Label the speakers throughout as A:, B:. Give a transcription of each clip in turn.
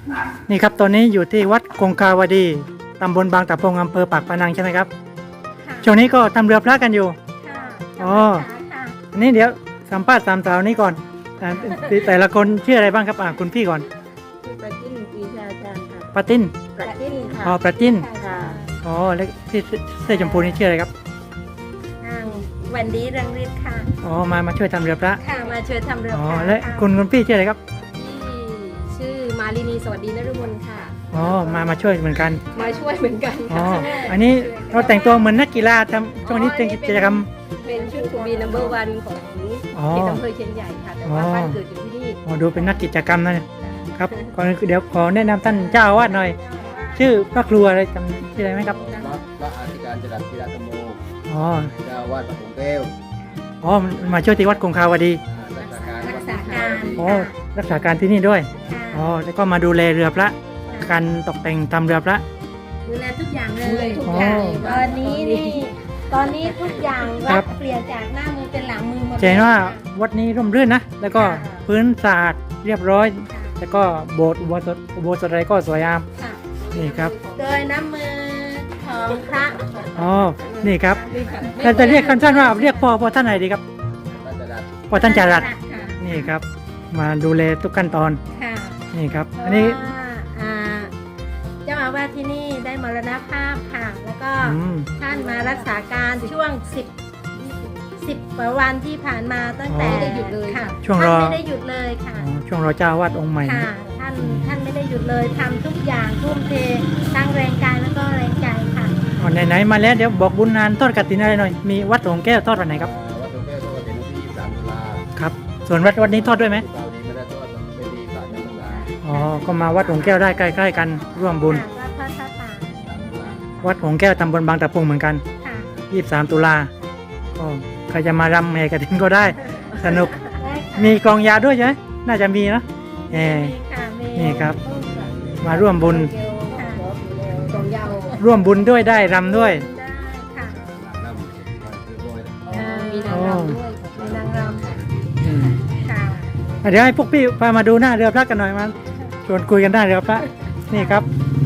A: นี่ครับตอนนี้อยู่ที่วัดคงคาวดีตำบลบางตะพงอำเภอปากพนังใช่ไหมครับ
B: ค่ะ
A: ช่วงนี้ก็ทำเรือพระกันอยู่
B: ค่ะ
A: อ๋อ
B: ค่ะ
A: อันนี้เดี๋ยวสัมภาษณ์สามสาวนี้ก่อนแต่ละคนชื่ออะไรบ้างครับคุณพี่ก่อน
C: ชื่อประจิ้นปีชาจารย์ค่ะ
A: ปาติน
C: ประจิ้นค่ะ
A: อ๋อประจิน
C: ค่ะ
A: อ๋อแล้วที่เสื้อชมพูนี่ชื่ออะไรครับ
B: นางวันดีรังฤทธิ์ค่ะ
A: อ๋อมาช่วยทำเรือพระ
B: ค่ะมาช่วยทำเรือ
A: อ๋อ
B: พาย
A: และ
B: ค่ะ
A: คุณพี่ชื่ออะไรครับ
C: ที่ชื่อมาลินีสวัสดีนฤมลค่ะ
A: อ๋อมาช่วยเหมือนกัน
C: มาช่วยเหมือนกัน
A: อ๋อ
C: ค่ะ
A: อันนี้เราแต่งตัวเหมือนนักกีฬาทำช่วงนี้เป็นกิจกรรม
C: เป็นชุดทูบีนัมเบอร์วันของ
A: อ๋อ
C: เขตอำเภอเชียนใหญ่ค่ะ แต่ว่า
A: อ๋อ
C: บ้านเกิดอยู่ที่นี่
A: อ๋อดูเป็นนักกิจกรรมนะครับก่อนอื่นเดี๋ยวขอแนะนำท่านเจ้าอาวาสหน่อย ชื่อพระครูอะไรจำชื่ออะไรไหมครับ
D: พระอธิการจรัสธีรธรรมโม
A: อ๋อ
D: เจ้าอาวาดวัดหงแก้ว
A: อ๋อมาช่วยที่วัดคงคาวดี
D: รักษาการ
A: อ๋อรักษาการที่นี่ด้วย
B: ค่ะ
A: อ๋อแล้วก็มาดูแลเรือพระการตกแต่งทำเรือพระ
B: ดูแลทุกอย่างเล
C: ดูแล
B: ย
C: ทุก
A: อ๋อ
C: อย่าง
B: ตอนนี้นี่ตอนนี้ทุกอย่าง
A: ครั
B: วั
A: บ
B: ดเปลี่ยนจากหน้ามือเป็นหลังมือหมด
A: จะเห็นว่า
B: ค่ะ
A: วัดนี้ร่มรื่นนะ แล้วก็พื้นสะอาดเรียบร้อย แล้วก็โบสถ์อุโบสถอะไรก็สวยงาม
B: ค่ะ
A: นี่ครับ
B: โดยน้ำมือของพระ
A: อ๋อนี่ครับ
C: นี่ค่ะ
A: เราจะเรียกสั้นๆว่าเรียกพ่อท่านไหนดีครับ
D: พระจรัส
A: พ่อท่านจารัส
B: ค่ะ
A: นี่ครับ มาดูแลทุกขั้นตอน
B: ค่ะ
A: นี่ครับ
B: เพ
A: อัน
B: ราะ
A: นี้
B: ว่าเจ้าอาวาสที่นี่ได้มรณภาพค่ะ แล้วก็
A: อืม
B: ท่านมารักษาการช่วง10กว่าวันที่ผ่านมาตั้งแต่
A: อ๋อ
C: ไม่ได้หยุดเลย
B: ค่ะ
A: ช่วงร
B: ท่า
A: อ
B: นไม่ได้หยุดเลยค่ะ
A: อ๋อช่วงรอเจ้าอาวาสองค์ใหม่
B: ค่ะ ท่านไม่ได้หยุดเลยทำทุกอย่างทุ่มเททั้งแรงกายแล้วก็แรงใจค่ะ
A: อ๋อไหนๆมาแล้วเดี๋ยวบอกบุญนานทอดกฐินอะไรหน่อย มีวัดหลวงแก้วทอดวันไหนครับ
D: วัดหงแก้วทอดกฐินวันที่23ตุลา
A: ครับ ส่วนวัดนี้ทอดด้วยไหม
D: คราวนี้ไม่ได้ทอดเป็นดีป่าจันทรา
A: อ๋อ ก็มาวัดหลวงแก้วได้ใกล้ๆกันร่วมบุญ
B: ค่ะวัดพระธาตุป่า
D: 3ตุลา
A: วัดหลวงแก้วตำบลบางตะพงเหมือนกัน
B: ค่ะ
A: 23 ตุลาอ๋อใครจะมารำแห่กฐินก็ได้ สนุก
B: ได้ค่ะ
A: มีกลองยาวด้วยใช่ไหมน่าจะมีนะแหม
B: มีค่ะมี
A: นี่ครับ มาร่วมบุญ
B: ค่ะ
C: สองยาว
A: ร่วมบุญด้วยได้รำด้วย
B: ได้ค่ะ
D: น้ำเรียบร้อย
C: มีนางรำด้วย
B: มีนางรำค่ะ
A: อืม
B: ค่ะ
A: เดี๋ยวให้พวกพี่พามาดูหน้าเรือพระกันหน่อยมาชวนคุยกันได้เรือพระนี่ครับ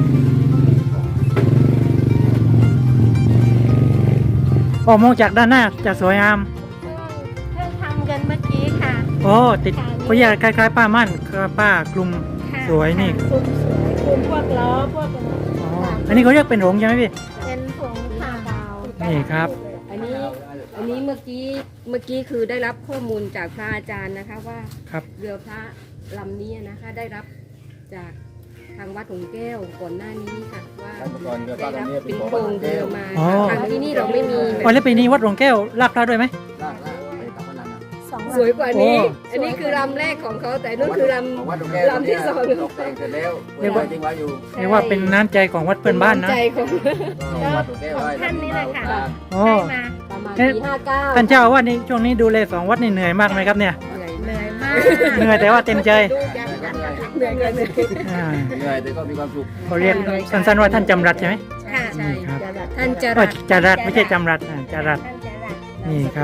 A: ออกมองจากด้านหน้าจะสวยงาม
B: เพิ่งทำกันเมื่อกี้ค่ะ
A: โอ้ติดเขาแยกคล้ายๆป้ามั่นป้ากลุ่ม
B: ค่ะ
A: สวยนี่
B: คุมสวยคุมพวกล้อพวก
A: อ๋ออันนี้เขาเรียกเป็นหงส์ใช่ไหมพี่
B: เป็นผงผ่าดาว
A: นี่ครับ
C: อันนี้เมื่อกี้คือได้รับข้อมูลจากพระอาจารย์นะคะว่า
A: ครับ
C: เรือพระลำนี้นะคะได้รับจากทางวัดหงแก้วก่อนหน้านี้ค่ะว่า
D: เมื่อก่อนเรือพ
C: ได้
D: ระ
C: รับ
D: ลำนี้เป็
C: เป็น น
D: ของ
C: โคร
D: วัดห
C: ง
D: ง
C: เรื
D: แก้
C: อ
D: ว
C: มา
A: อ๋อ
C: ทางที่นี่เราไม่มี
A: อ๋อแล้วปีนี้วัดหลวงแก้วลากพระด้วยไหม
D: ลากไปกับพนัง
C: สวยกว่านี้
A: โอ้
C: อันนี้คือลำแรกของเขาแต่นู่นคือล
D: ของวัดหงแก้ว
C: ลำที่สอง
D: ตกแต่งเสร็จแล้วเรียกว่าจริงไว้อยู่
A: เรียกว่าเป็นน้ำใจของวัด
C: ำ
A: เพื่อนบ้านนะ
C: ใจของ
D: วัดหงแก้วไว้
B: ท่านนี่แหละค่ะ
A: โอ้
B: ได้มา
C: ประมาณ
A: เอ๊ะ
C: ปี59
A: ท่านเจ้าอาว่าสนี่ช่วงนี้ดูแลสองวัดนี่เหนื่อยมากไหมครับเนี่ย
C: เหนื่อย
B: เห
C: มาก
B: นื่อยมาก
A: เหนื่อยแต่ว่าเต็มใจ
C: เหนื่อย
A: อ่า
D: เหนื่อยแต่ก็มีความสุข
A: เขาเรียกสั้นๆว่าท่านจำรัดใช่ไหม
B: ค่ะ
C: ใช่
A: ครับ
C: ท่านจะ
A: ก็จารัดไม่ใช่จำรัดจารัด
B: ท่านจะรัก
A: นี่ครับ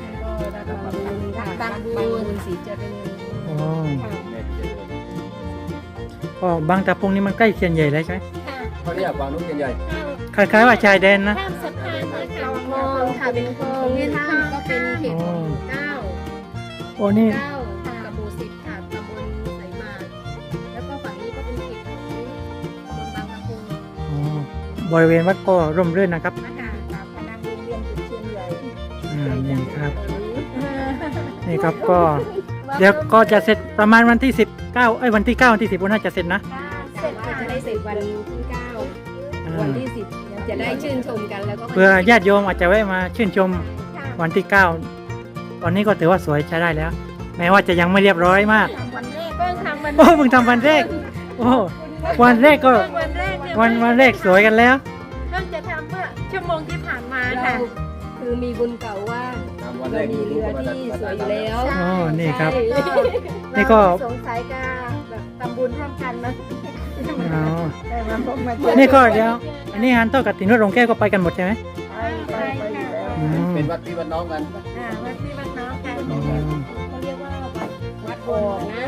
C: บางบุญศรีเจริญ
A: โอ้
D: แม่ที่เจริญ
A: ก็บางตะพงนี่มันใกล้เคียนใหญ่เลยใช่ไหม
B: ค่ะ
D: เขาเรียกบางนุ่งใหญ่
A: คล้ายๆว่าชายแดนนะ
B: ข้ามสะพานมาค่ะ
C: คลองค่ะเป็นคลองนี่ท่านก็เป็นเขตของเก้า
A: โอ้นี่
C: เก้ากับหมู่10ค่ะตำบลไสมาศแล้วก็ฝั่งนี้ก็เป็นเขตของตำบลบางตะพุง
A: อ๋อบริเวณวัดก็ร่มรื่นนะครับ
B: ค่ะพนังโรงเรียนจุดเชียนใหญ่
A: นี่ครับนี่ครับก็เดี๋ยวก็จะเสร็จประมาณวันที่19วันที่9วันที่10วันน่าจะเสร็จนะ
C: เสร็จจะได้เสร็จวันที่ 9 วันที่ 10 จะได้ชื่นชมกันแล้วก็
A: เพื่อญาติโยมอาจจะแวะมาชื่นชมวันที่9ตอนนี้ก็ถือว่าสวยใช้ได้แล้ว แม้ว่าจะยังไม่เรียบร้อยมาก
B: ทำวันแรกก็ทำวัน
A: โอ้เพิ่งทำวันแรกโอ้วันแรกก็
B: วันแรกเนี่ย
A: วันแรกสวยกันแล้ว
B: เพิ่งจะทำเมื่อชั่วโมงที่ผ่านมา
C: เรา
B: ค่ะ
C: คือมีบุญเก่าว่า
D: ๆตามวันแร
C: เรา
D: ก
C: มีเรือที่สวยอยู่แล้ว
A: อ๋อนี่ครับ
C: ใช่
A: นี่ก็
B: สงสัยจะแบบทำบุญร่วมกันนะ
A: อ๋อ
B: ได้มาพบมาเจอ
A: นี่ก็เดี๋ยวอันนี้งานโต้กับตินวัดหลวงแก้วก็ไปกันหมดใช่ไหม
B: ไปค่ะ
A: อืม
D: เป็นวัดพี่วัดน้องกัน
B: วัดพี่วัดน้องกัน
A: อืม
B: เขาเรียกว่าวัด
C: วัดโอ่งนะ
B: วั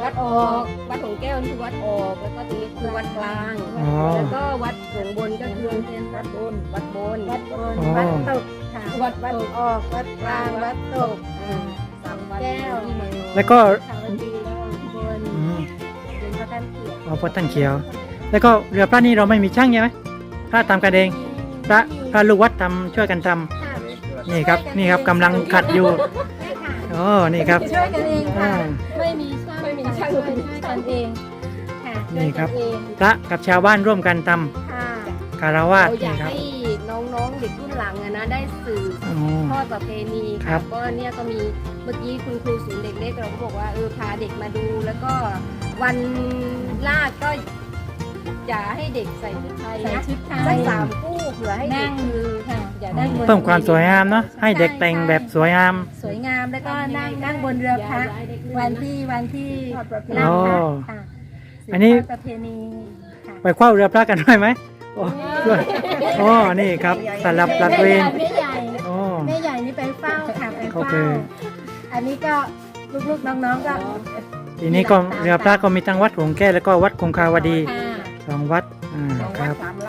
C: วัดออก วัดหงแก้วนี่คือวัดออก แล้วก็ตรงนี้คือวัดกลาง
A: อ๋อ
C: แล้วก็วัดหงบนก็คือวัดบน วัดบน
B: วัดบน
A: อ๋อ
B: วัดตกค่ะ
C: วัด
B: วัดออกวัดกลางวัดตก
C: สามวัด
B: แก้ว
C: ที่เมืองนนท์
A: แล้วก็
B: ขาวดีแล้วบน
A: อืม
B: เป็นพระท่านเขียว
A: เอาพระท่านเขียว แล้วก็เรือพระนี่เราไม่มีช่างใช่ไหมพระทำกันเองพระลูกวัดทำช่วยกันทำ
B: ค่ะ
A: นี่ครับนี่ครับกำลังขัดอยู่
B: ใช่ค่ะ
A: อ๋อนี่ครับ
B: ช่วยกันเองค่ะ
A: อ่า
B: ไม่มีช่าง
C: ไม่มีช่าง
B: ช่วยกันเองค่ะ
A: นี่ครับ
B: ช่วยกันเอง
A: พระกับชาวบ้านร่วมกันท
B: ค่ะ
A: ำคารวะ
C: เราอยา
A: นี่
C: ก
A: ครับ
C: ให้น้องๆเด็กรุ่นหลังอะนะได้สื่อ
A: อ๋อ
C: ทอดประเพณี
A: ครั
C: ค่ะ
A: บ
C: ก็เนี่ยก็มีเมื่อกี้คุณครูศูนย์เด็กเล็กเราก็บอกว่าพาเด็กมาดู แล้วก็วันลาดก็อย่าให้เด็กใส่ชุดไทย
B: ใส่
C: นะ
B: ชุดไท
C: สั
B: ย
C: ก3 คู่เผื่อให้เด็
B: นั่
C: ก
B: ง
C: คือ
B: ค่ะ
C: อย่าได้
A: เพิ่มความสวยงามเนาะให้เด็กแต่งแบบสวยงาม
B: สวยงามแล้วก็นั่งบนเรือพระวันที่
C: ทอดประเพ
B: นั่
C: ณี
B: งพระ
A: อ๋อ
B: ค่ะ
A: อันนี้
B: สืบทดประเพณีค่ะ
A: ไปคว้าเรือพระกันด้วยไหมโอ้ด้วยอ๋อนี่ครับสลับหลัดเวร
B: แม่ใหญ่
A: อ๋อ
B: แม่ใหญ่นี่ไปเฝ้าค่ะไป
A: โอ
B: เฝ้า
A: เค
B: อันนี้ก็ลูกๆน้องๆก็
A: ทีนี้ก็เรือพระก็มีทั้งวัดหงแก้วแล้วก็วัดคงคาวดี
B: ค่ะ
A: สองวัดครับ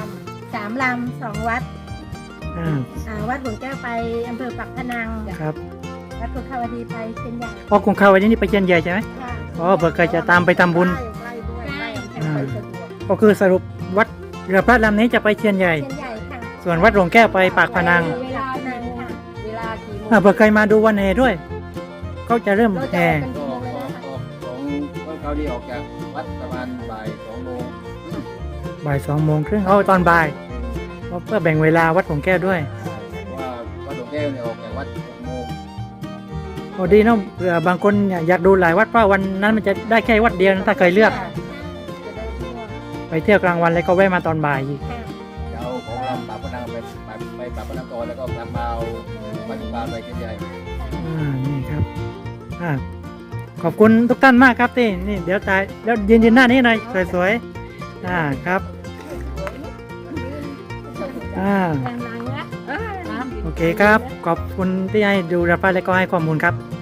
B: 3 ลำ 2 วัด วัดหลวงแก้วไปอำเภอปักพนัง
A: ครับ
B: วัดกุคาวดีไปเชียงใหญ่
A: อ๋อคงคาวดีนี่ไปเชียนใหญ่ใช่ไหม
B: ค่ะ
A: อ๋อเผื่อใครจะตามไปทำบุญ
B: ใช่
A: อ่า ก็คือสรุปวัดเรือพระลำนี้จะไปเชียนใหญ่
B: เชียงใหญ่ค่ะ
A: ส่วนวัดหลวงแก้วไปปากพนัง
B: เวลานั้นค่ะ
C: เวลากี่โมง
A: เผื่อใครมาดูวันแห่ด้วย ก็จะเริ่ม
C: เราจะ
A: แห่
C: ออกกัน
D: ก็
C: กี่โมงเลย
D: ออก
C: นะคะ
D: ออกของเขาที่ออกจากวัดประมาณบ่าย2 โมง
A: บ่าย2:30เอาตอนบ่ายเพราะเพื่อแบ่งเวลาวัดหลวงแก้วด้วย
D: เพราะว่าวัดหลวงแก้วเนี่ยออกจากวัด6 โมง
A: โอ้ดีเนาะเผื่อบางคนอยากดูหลายวัดเพราะวันนั้นมันจะได้แค่วัดเดียวนะถ้าเคยเลือก
C: จะได้ทั่ว
A: ไปเที่ยวกลางวันแล้วก็แวะมาตอนบ่ายอีก
B: ค่ะ
D: จะเอาของลำปากพนังไปปากพนังก่อนแล้วก็กลับมาเอาวัดปลาไปเชียนใหญ่
A: นี่ครับขอบคุณทุกท่านมากครับที่นี่เดี๋ยวตายแล้วยืนหน้านี้หน่อยสวยๆครับ
B: กำลังนะ
A: โอเคครับขอบคุณที่ให้ดูรับฟังและก็ให้ข้อมูลครับ